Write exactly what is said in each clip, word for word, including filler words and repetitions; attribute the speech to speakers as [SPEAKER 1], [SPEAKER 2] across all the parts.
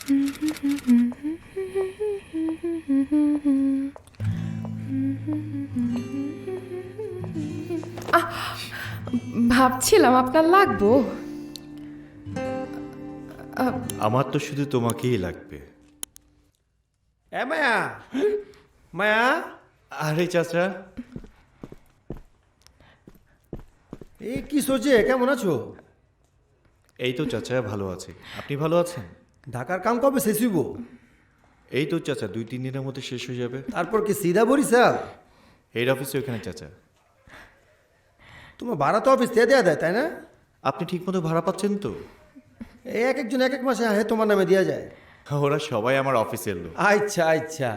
[SPEAKER 1] ভাবছিলাম আপনার লাগবো।
[SPEAKER 2] আমার তো শুধু তোমাকেই লাগবে।
[SPEAKER 3] এ মায়া, মায়া,
[SPEAKER 2] আরে চাচা,
[SPEAKER 3] এই কি সোচে, কেমন আছো?
[SPEAKER 2] এই তো চাচা ভালো আছি। আপনি ভালো আছেন?
[SPEAKER 3] ঢাকার কাম কবে শেষ হইব?
[SPEAKER 2] এই তো চাচা দুই তিন দিনের মধ্যে শেষ হয়ে যাবে।
[SPEAKER 3] তারপর কি সিধা বরিশাল?
[SPEAKER 2] হেড অফিসে ওখানে চাচা।
[SPEAKER 3] তোমার ভাড়া তো অফিস দিয়ে দেয়া দেয়, তাই না?
[SPEAKER 2] আপনি ঠিক মতো ভাড়া পাচ্ছেন তো?
[SPEAKER 3] এই এক একজন এক এক মাসে আহে তোমার নামে দেওয়া যায়।
[SPEAKER 2] ওরা সবাই আমার অফিসের লোক।
[SPEAKER 3] আচ্ছা আচ্ছা।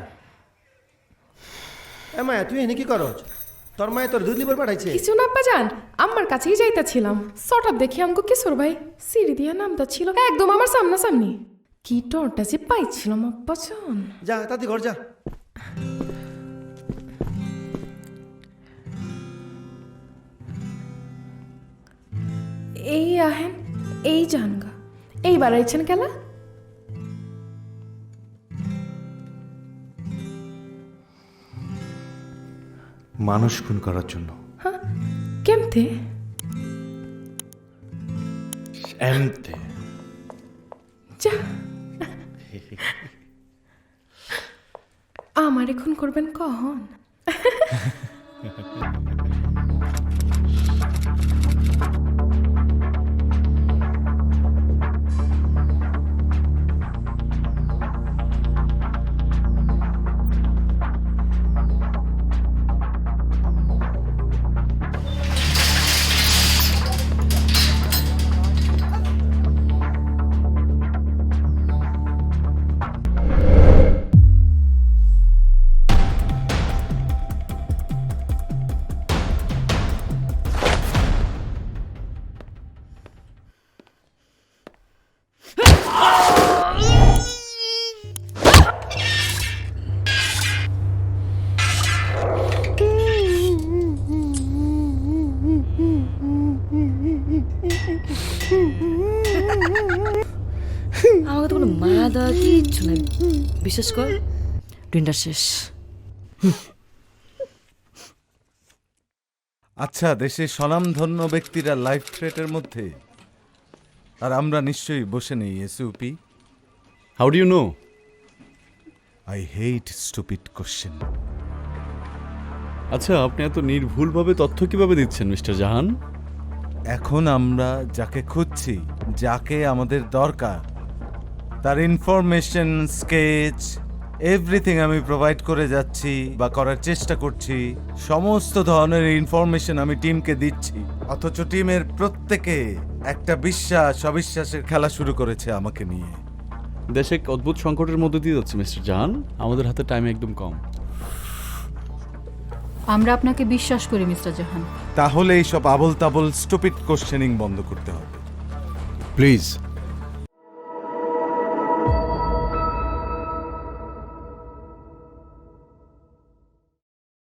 [SPEAKER 3] এ মায়া, তুই এনে কি করো? তোর মায়ে তোর দুধ লিবার পাঠাইছে?
[SPEAKER 1] কিছু না বাজান, আমার কাছেই যাইতাছিলাম। সটাপ দেখি আমাকে কিশোর ভাই সিঁড়ি দিয়া নামতা ছিল একদম আমার সামনাসামনি। কি টরটা যে পাইছিলাম আব্বাজান।
[SPEAKER 3] যা তাতে ঘর যা।
[SPEAKER 1] এই আহেন, এই জানগা, এইবার আইছেন কেলা?
[SPEAKER 2] মানুষ খুন করার জন্য।
[SPEAKER 1] হ্যাঁ, কেমতে?
[SPEAKER 2] এমতে।
[SPEAKER 1] যা, আমার এখন করবেন কখন?
[SPEAKER 4] আমাকে তো কোনো মায়া দেওয়া কিচ্ছু নাই, বিশেষ কর ডিনার শেষ।
[SPEAKER 5] আচ্ছা, দেশের স্বনামধন্য ব্যক্তিরা লাইফ থ্রেটের মধ্যে, আর আমরা নিশ্চয়ই বসে নেই SUP.
[SPEAKER 6] How do you know?
[SPEAKER 5] I hate stupid question.
[SPEAKER 6] আচ্ছা, আপনি এত নির্ভুলভাবে তথ্য কিভাবে দিচ্ছেন মিস্টার জাহান?
[SPEAKER 5] এখন আমরা যাকে খুঁজছি, যাকে আমাদের দরকার, তার ইনফরমেশন, স্কেচ, এভরিথিং আমি প্রোভাইড করে যাচ্ছি বা করার চেষ্টা করছি। সমস্ত ধরনের ইনফরমেশন আমি টিমকে দিচ্ছি, অথচ টিমের প্রত্যেকে একটা বিশ্বাস অবিশ্বাসের খেলা শুরু করেছে আমাকে নিয়ে।
[SPEAKER 6] দেশে এক অদ্ভুত সংকটের মধ্যে দিয়ে যাচ্ছে মিস্টার জাহান, আমাদের হাতে টাইম একদম কম।
[SPEAKER 7] আমরা আপনাকে বিশ্বাস করি মিস্টার জাহান।
[SPEAKER 5] তাহলে এইসব আবল তাবল স্টুপিড কোশ্চেনিং বন্ধ করতে হবে।
[SPEAKER 6] প্লিজ